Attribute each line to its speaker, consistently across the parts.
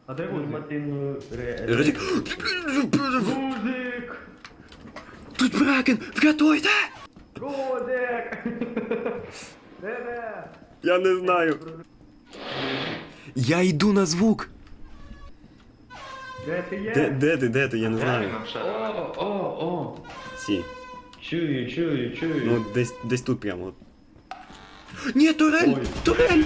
Speaker 1: А де Рузик?
Speaker 2: Нормативну
Speaker 3: Ризик.
Speaker 1: Рузик!
Speaker 3: Тут Бракен! Врятуйте!
Speaker 1: Рузик! Де?
Speaker 3: Я не знаю. Я йду на звук.
Speaker 1: Де ти є?
Speaker 3: Де ти? Я не знаю.
Speaker 2: О!
Speaker 3: Сі.
Speaker 2: Чую.
Speaker 3: Ну, десь тут прямо. Ні, турель!
Speaker 1: Ой.
Speaker 3: Турель!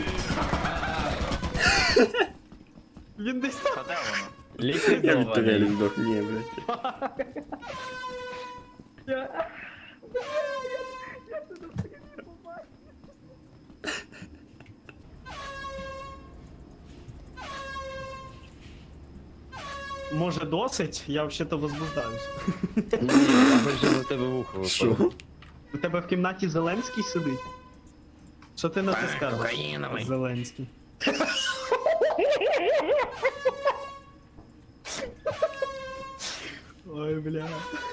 Speaker 1: Він десь там.
Speaker 3: Я від турелі здох. Ні, блядь.
Speaker 1: Може досить? Я взагалі-то возбуждаюсь.
Speaker 2: Ні, я бачу на тебе вухо випало.
Speaker 3: Що?
Speaker 1: У тебе в кімнаті Зеленський сидить? Що ти на це скажеш?
Speaker 2: Кокаїновий.
Speaker 1: Зеленський. Ой, бля.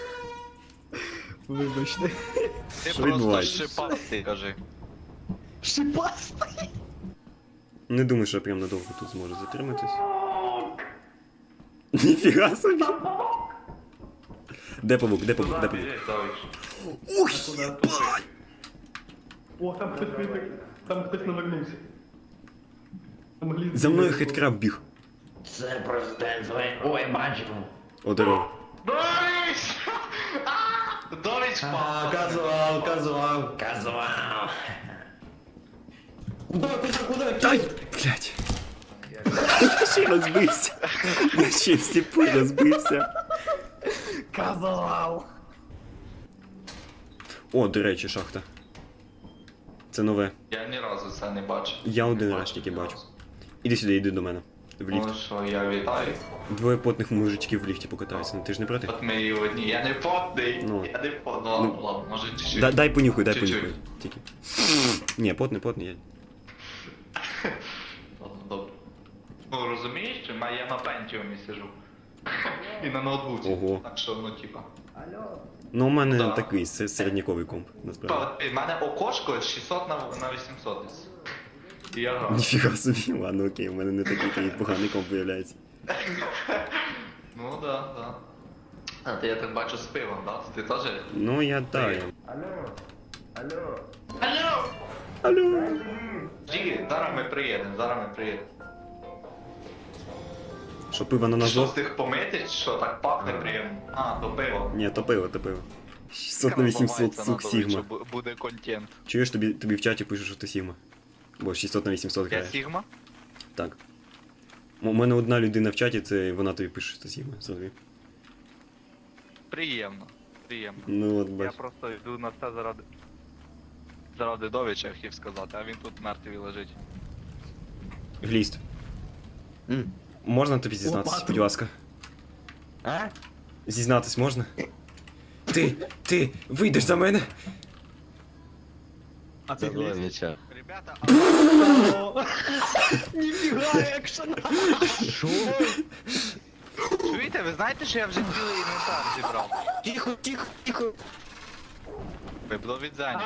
Speaker 1: Вибачте.
Speaker 4: Ти
Speaker 3: Що
Speaker 4: просто
Speaker 3: відбувається?
Speaker 4: шипастий, кажи.
Speaker 1: Шипастий!
Speaker 3: Не думаю, що я прям надовго тут зможу затриматись. Ніфіга собі. Де павук? Ух, єбать!
Speaker 1: О, там хтось навернувся. Там гліз-
Speaker 3: За мною хиткраб біг.
Speaker 2: Це президент Зеленський. Ой, бачимо.
Speaker 3: О, здорово.
Speaker 4: Довіч! Довіч впав!
Speaker 2: Казував.
Speaker 3: Ай, блядь. Я ще розбився. Я ще в степу розбився.
Speaker 1: Казав!
Speaker 3: О, до речі, шахта. Це нове.
Speaker 4: Я ні разу це не бачив.
Speaker 3: Я один
Speaker 4: Не
Speaker 3: раз тільки
Speaker 4: ні
Speaker 3: бачу.
Speaker 4: разу.
Speaker 3: Іди сюди, іди до мене. В ліфт.
Speaker 4: Ну що, я вітаю.
Speaker 3: Двоє потних мужичків в ліфті покатаються. Ну, ти ж не проти?
Speaker 4: От ми і одні. Я не потний.
Speaker 3: Ну.
Speaker 4: Я не потний. Ну, ладно, може чуть-чуть.
Speaker 3: Дай понюхай,
Speaker 4: Чуть-чуть.
Speaker 3: Тільки. Ні, потний, я.
Speaker 4: Ладно, добре. Ну, розумієш, що я на пентіумі сижу. І на ноутбуці.
Speaker 3: Ого.
Speaker 4: Так що, ну, типа.
Speaker 3: Ну, у мене
Speaker 4: Да.
Speaker 3: такий середняковий комп, насправді.
Speaker 4: У мене окошко 600 на 800 десь. І я граю.
Speaker 3: Ніфіга собі, ладно, окей, у мене не такий поганий комп виявляється.
Speaker 4: Ну, да. А ти, я так бачу, з пивом, да? Ти теж?
Speaker 3: Ну, я я.
Speaker 4: Алло!
Speaker 3: Алло.
Speaker 4: Жі, зараз ми приїдемо.
Speaker 3: Що, пиво на нас
Speaker 4: Що з
Speaker 3: зло?
Speaker 4: тих помити, що так пахне приємно? А, то пиво.
Speaker 3: Ні, то пиво. 600 на 800, сук, Сігма.
Speaker 4: Буде контент.
Speaker 3: Чуєш, тобі в чаті пишуть, що ти Сігма. Бо 600 на 800
Speaker 4: Я
Speaker 3: грає.
Speaker 4: Сігма?
Speaker 3: Так. У мене одна людина в чаті, це вона тобі пише, що ти Сігма. Зрозумів?
Speaker 4: Приємно.
Speaker 3: Ну от
Speaker 4: Я
Speaker 3: бач.
Speaker 4: просто йду на це заради Довіча, хотів сказати, а він тут мертвий лежить.
Speaker 3: Гліст. Можна тобі зізнатися,
Speaker 1: Лопату.
Speaker 3: будь ласка?
Speaker 2: А?
Speaker 3: Зізнатись можна? Ти вийдеш за мене?
Speaker 1: А ти гліз?
Speaker 2: Довіча.
Speaker 4: Ребята,
Speaker 1: О, ніфіга, екшен!
Speaker 2: Що?
Speaker 4: чуєте, ви знаєте, що я вже цілий інвентар зібрав?
Speaker 2: Тихо.
Speaker 4: Вибло від Зені.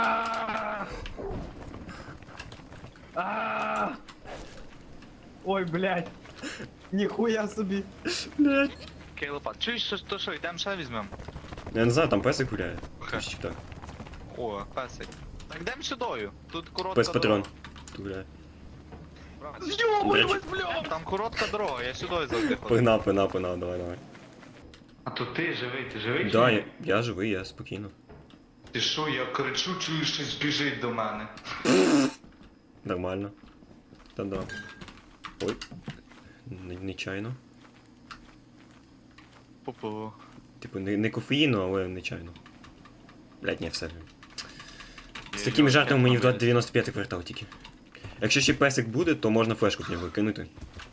Speaker 1: Ой, блядь. Ніхуя собі.
Speaker 3: Блядь.
Speaker 4: Кейлопа, чуєш, то що, йдемо ще візьмемо?
Speaker 3: Я не знаю, там песик гуляє.
Speaker 4: Хе.
Speaker 3: Щось так.
Speaker 4: О, песик. Так йдемо сюдою. Тут коротка
Speaker 3: Пес патрон.
Speaker 4: дорога.
Speaker 3: Тут гуляє.
Speaker 1: Йобуємось, блядь!
Speaker 4: Там коротка дорога, я сюди завжди ходив.
Speaker 3: Погнав, давай.
Speaker 4: А то ти живий?
Speaker 3: Да, я живий, я спокійно.
Speaker 4: Ти що, я кричу, чую, щось біжить до мене.
Speaker 3: Нормально. Та-да. Ой. Нечайно.
Speaker 4: Попу.
Speaker 3: Типу, не кофеїну, але нечайно. Блядь, ні, все. З такими жартами мені в 95 квартал тільки. Якщо ще песик буде, то можна флешку в нього кинути.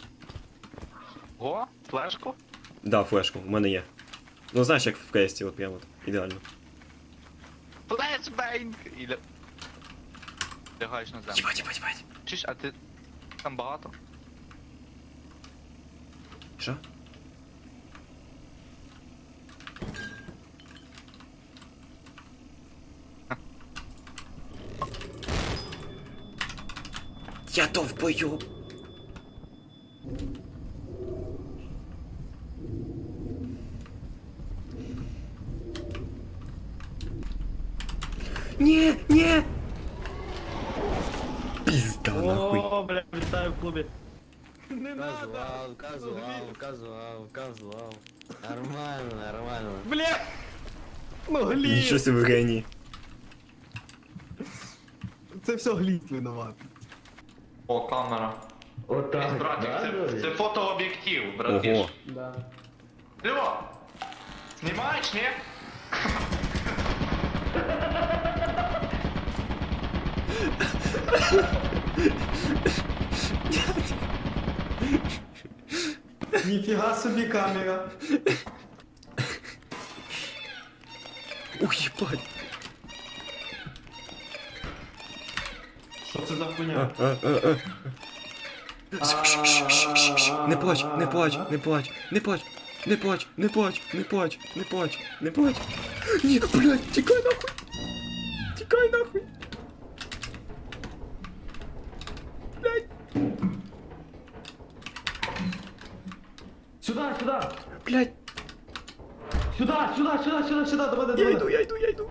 Speaker 4: О, флешку?
Speaker 3: Да, флешку, у мене є. Ну знаєш, як в квесті, от прямо от, ідеально.
Speaker 4: Флешбенг! І лягаєш на землю.
Speaker 3: Єбать.
Speaker 4: Чуєш, а ти там багато?
Speaker 3: Що? Я довбойоб. Ні! Пізда нахуй.
Speaker 1: О, бля, вітаю в клубі. Не
Speaker 2: Казуал. Нормально.
Speaker 1: Бля! Ну, гліт!
Speaker 3: Нічого собі геній.
Speaker 1: Це все гліт винуват.
Speaker 4: О, камера.
Speaker 2: Отак,
Speaker 4: Братик,
Speaker 2: да?
Speaker 4: це фотооб'єктив, братиш.
Speaker 3: Ого.
Speaker 1: Да.
Speaker 4: Льо! Знімаєш, ні?
Speaker 1: Ніфіга собі камера.
Speaker 3: Ух, їбать.
Speaker 1: Що це за хуйня?
Speaker 3: Не плач. Ні, блядь, тікай нахуй.
Speaker 1: Сюда, сюда!
Speaker 3: Блядь,
Speaker 1: Сюда, давай,
Speaker 3: я
Speaker 1: давай.
Speaker 3: йду.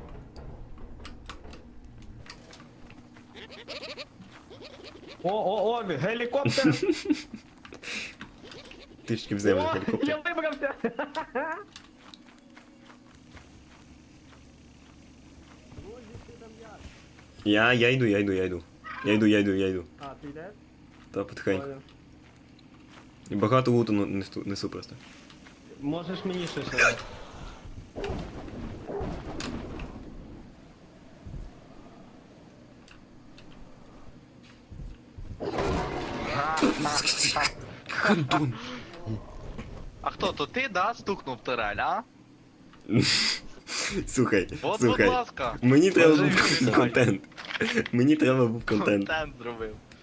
Speaker 1: О, гелікоптер!
Speaker 3: Трішки в землю
Speaker 1: О,
Speaker 3: гелікоптер.
Speaker 1: я вибрався!
Speaker 3: Я йду.
Speaker 1: А, ти йдеш?
Speaker 3: Та потихеньку. І багато луту несу просто.
Speaker 1: Можеш мені ще ще.
Speaker 3: Хандун.
Speaker 5: А хто, то ти, да, стукнув турель, а?
Speaker 3: Слухай.
Speaker 5: От, будь ласка.
Speaker 3: Мені треба
Speaker 5: Скажи
Speaker 3: був
Speaker 5: мені,
Speaker 3: контент. Мені треба був контент.
Speaker 5: Контент зробив.